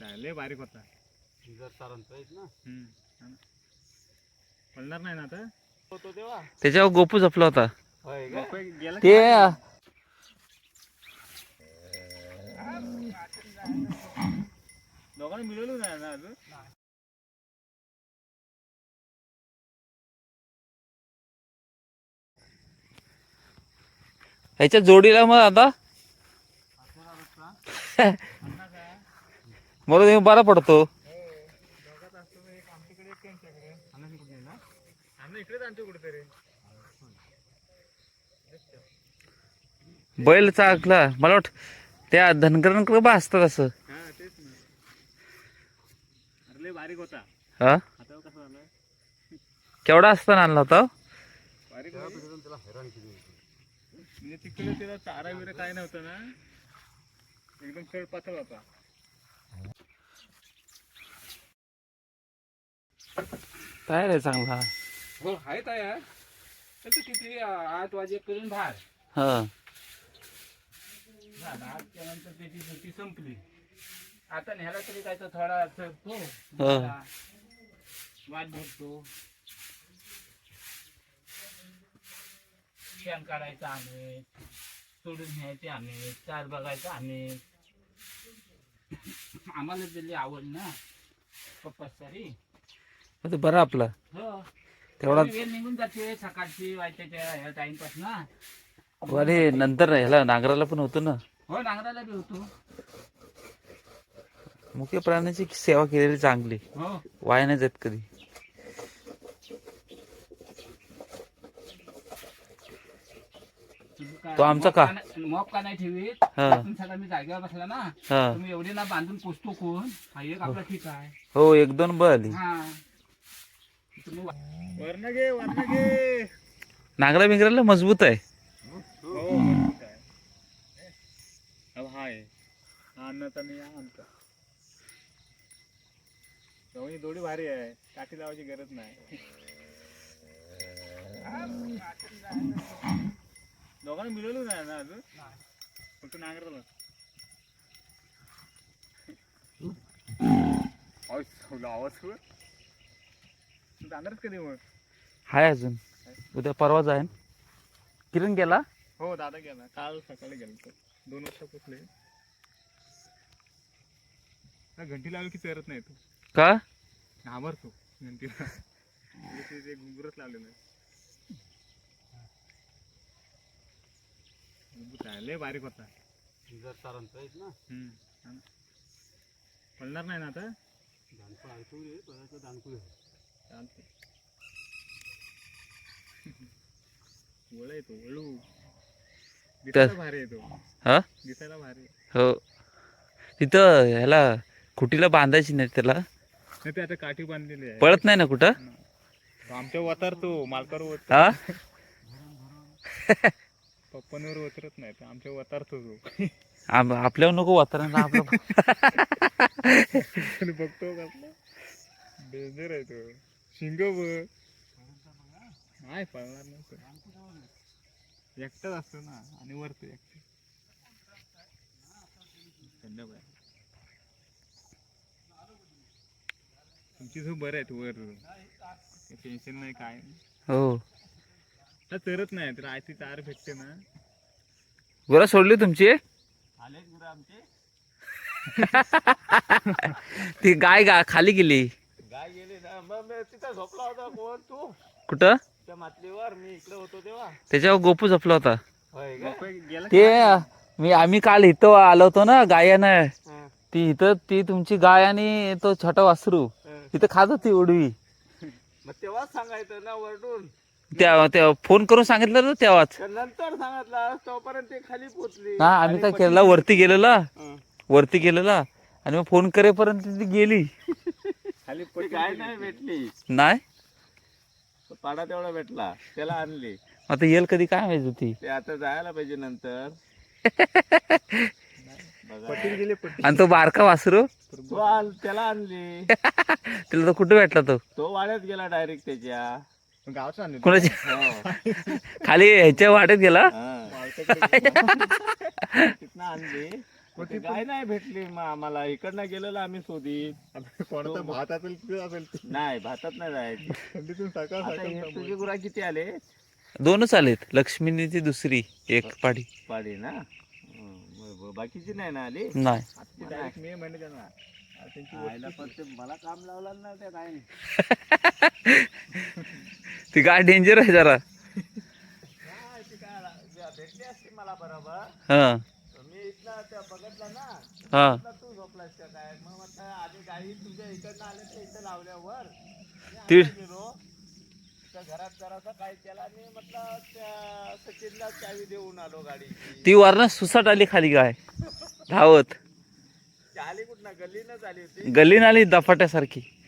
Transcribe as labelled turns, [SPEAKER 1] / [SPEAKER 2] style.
[SPEAKER 1] लय बारीक होता. पडणार नाही ना आता.
[SPEAKER 2] त्याच्यावर गोपू झपला होता
[SPEAKER 1] गेला
[SPEAKER 2] ते.
[SPEAKER 1] दोघांना मिळवलं नाही ना अजून.
[SPEAKER 2] ह्याच्या जोडीला मग आता मला तुम्ही बरा पडतो.
[SPEAKER 1] इकडेच आणतो कुठेतरी.
[SPEAKER 2] बैल चाकला मला वाट त्या धनगरांकडे बा असतात असं.
[SPEAKER 1] हा तेच ना. अरे लय बारीक होता.
[SPEAKER 2] हा
[SPEAKER 1] आता कसं झालं.
[SPEAKER 2] केवढा असताना आणला होता.
[SPEAKER 1] बारीक त्याला हैराण केली. म्हणजे तिकडे त्याला चारा वगैरे काय नव्हतं ना. एकदम खेळ पातळ होता.
[SPEAKER 2] तयार आहे चांगला.
[SPEAKER 3] हो आहे तयार. तर किती 8 वाजेपर्यंत बाहेर.
[SPEAKER 2] हा
[SPEAKER 3] त्यानंतर त्याची ड्युटी संपली. आता न्यायला तरी काय तर थोडा चढतो
[SPEAKER 2] हा.
[SPEAKER 3] वाट बघतो. शेण काढायचं आम्ही, सोडून न्यायचे आम्ही, चार बघायचं आम्ही. आम्हाला दिली आवड ना पप्पा सारी.
[SPEAKER 2] ते बरं आपला
[SPEAKER 3] हो
[SPEAKER 2] तेवढा.
[SPEAKER 3] वेळ निघून जाते सकाळची वाईटाच्या ह्या टाइमपास ना.
[SPEAKER 2] अरे नंतर ह्याला नांगराला पण होतो ना.
[SPEAKER 3] हो नांगराला बी होतो.
[SPEAKER 2] मुख्य प्राण्याची सेवा केलेली चांगली.
[SPEAKER 3] हो
[SPEAKER 2] वाया नाही जात कधी. तो आमचा का
[SPEAKER 3] मॉप का नाही ठेवीत. सगळं मी जागेवर बसला ना.
[SPEAKER 2] हा
[SPEAKER 3] तुम्ही एवढी ना बांधून पोचतो कोण. हा एक आपला ठीक आहे.
[SPEAKER 2] हो 1-2 बल.
[SPEAKER 3] हा तुम्ही
[SPEAKER 1] वरण घे वरण घे.
[SPEAKER 2] नांगरा बिंगराला मजबूत आहे.
[SPEAKER 1] हो मजबूत आहे. अब हाय अन्नाचा नाही आणता. दोन्ही दोडी भारी आहे. काठी लावायची गरज नाही. दोघांना मिळवलं नाही ना अजून. फक्त नांगराला. आवाज जाणारच कधी मग.
[SPEAKER 2] हाय अजून उद्या परवा जाईन. किरण गेला.
[SPEAKER 1] हो दादा गेला. काल सकाळी गेला. 2 वाजता पोचले. घंटी लावली की चरत नाही तो.
[SPEAKER 2] का
[SPEAKER 1] घाबरतो घंटीला. ते घुंगरच लावलेलं आहे. लय बारीक होता. पडणार नाही ना आता. चालते. वळ येतो वळू. दिसायला भारी येतो.
[SPEAKER 2] हा
[SPEAKER 1] दिसायला भारी.
[SPEAKER 2] हो तिथं ह्याला खुटीला बांधायची नाही त्याला.
[SPEAKER 1] नाही ते आता काठी बांधलेली आहे.
[SPEAKER 2] पळत नाही ना कुठं.
[SPEAKER 1] आमच्या वतारतो मालकावर
[SPEAKER 2] हा
[SPEAKER 1] पप्पांवर उतरत नाही तर आमच्या वतारतो तो.
[SPEAKER 2] आपल्यावर नको वातावरण आपलं.
[SPEAKER 1] बघतो कसला डेंजर आहे तो. शिंग बघ. नाही पळणार नसतो. एकटाच असतो ना आणि वरतो एकटा. संध्याकाळी तुमची झोप बरं आहे. वर टेन्शन नाही काय.
[SPEAKER 2] हो
[SPEAKER 1] तर चरत नाही तर आयती चार भेटते ना.
[SPEAKER 2] गुरा सोडली तुमची.
[SPEAKER 3] आलेच गुरं आमचे.
[SPEAKER 2] ती गाय खाली गेली.
[SPEAKER 3] गाय गेली ना. मग तिथं झोपला होता कोण तू.
[SPEAKER 2] कुठं
[SPEAKER 3] त्या मातलीवर मी इकडे होतो तेव्हा.
[SPEAKER 2] त्याच्यावर गोपू झपला होता.
[SPEAKER 3] होय का?
[SPEAKER 1] गेला
[SPEAKER 2] ते आम्ही काल इथं आलो होतो ना गायानं.
[SPEAKER 3] हा.
[SPEAKER 2] ती इथं ती तुमची गाय आणि तो छोटा वासरू इथं खात होती उडवी.
[SPEAKER 3] मग तेव्हाच सांगायचं ना वरडून.
[SPEAKER 2] त्या फोन करून सांगितलं ना तेव्हाच.
[SPEAKER 3] नंतर सांगितलं तोपर्यंत ते खाली पोचली.
[SPEAKER 2] हा आम्ही काय केलं वरती गेलेला आणि मग फोन करेपर्यंत ती गेली.
[SPEAKER 1] खाली
[SPEAKER 3] ती गाय नाही भेटली.
[SPEAKER 2] नाही
[SPEAKER 3] पाडा तेवढा भेटला त्याला आणली.
[SPEAKER 2] आता येईल कधी काय माहिती होती.
[SPEAKER 3] ते आता जायला पाहिजे नंतर.
[SPEAKER 1] पटील गेले पटील.
[SPEAKER 2] आणि तो बारका वासरू
[SPEAKER 3] त्याला आणली.
[SPEAKER 2] तिला तर कुठं भेटला
[SPEAKER 3] तो वाड्यात गेला डायरेक्ट त्याच्या.
[SPEAKER 1] गावचं आणलं
[SPEAKER 2] कोणाच्या
[SPEAKER 3] हो.
[SPEAKER 2] खाली ह्याच्या वाटेत गेला.
[SPEAKER 3] तिथनं आणली. ते गाय नाही भेटली मग आम्हाला इकडनं गेलेलो आम्ही शोधित.
[SPEAKER 1] आता कोणाचा भात असेल तिथे असेल ती.
[SPEAKER 3] नाही भातात नाही जायची.
[SPEAKER 1] थंडीतून सकाळ
[SPEAKER 3] आता हे
[SPEAKER 1] सकाळ
[SPEAKER 3] तुझे गुरा किती आले?
[SPEAKER 2] 2च आलेत, लक्ष्मीनी ती दुसरी एक पाडी
[SPEAKER 3] पाडी ना. बाकीची नाही ना आली.
[SPEAKER 2] नाही.
[SPEAKER 1] ती डायरेक्ट मे महिन्यात येणार. आता त्यांची
[SPEAKER 3] आईला पण ते मला काम लावलं ना त्या गायने.
[SPEAKER 2] ती गाय डेंजर आहे जरा.
[SPEAKER 3] नाही ती काय भेटली असती मला बरोबर.
[SPEAKER 2] हा
[SPEAKER 3] मी इथला त्या बघितलं ना.
[SPEAKER 2] हा
[SPEAKER 3] म्हटलं तू झोपलास का काय? मग म्हटलं आधी गाई तुझ्या इकडनं आले तर इथं लावल्यावर मी
[SPEAKER 2] ती-
[SPEAKER 3] आता गेलो त्या घरात जरासा काय केला आणि म्हटलं त्या सचिनला चावी देऊन आलो गाडीची.
[SPEAKER 2] ती वरनं सुसाट आली खाली गाय धावत,
[SPEAKER 3] ती आली कुठं गल्लीनच आली होती.
[SPEAKER 2] गल्लीन आली दफाट्यासारखी.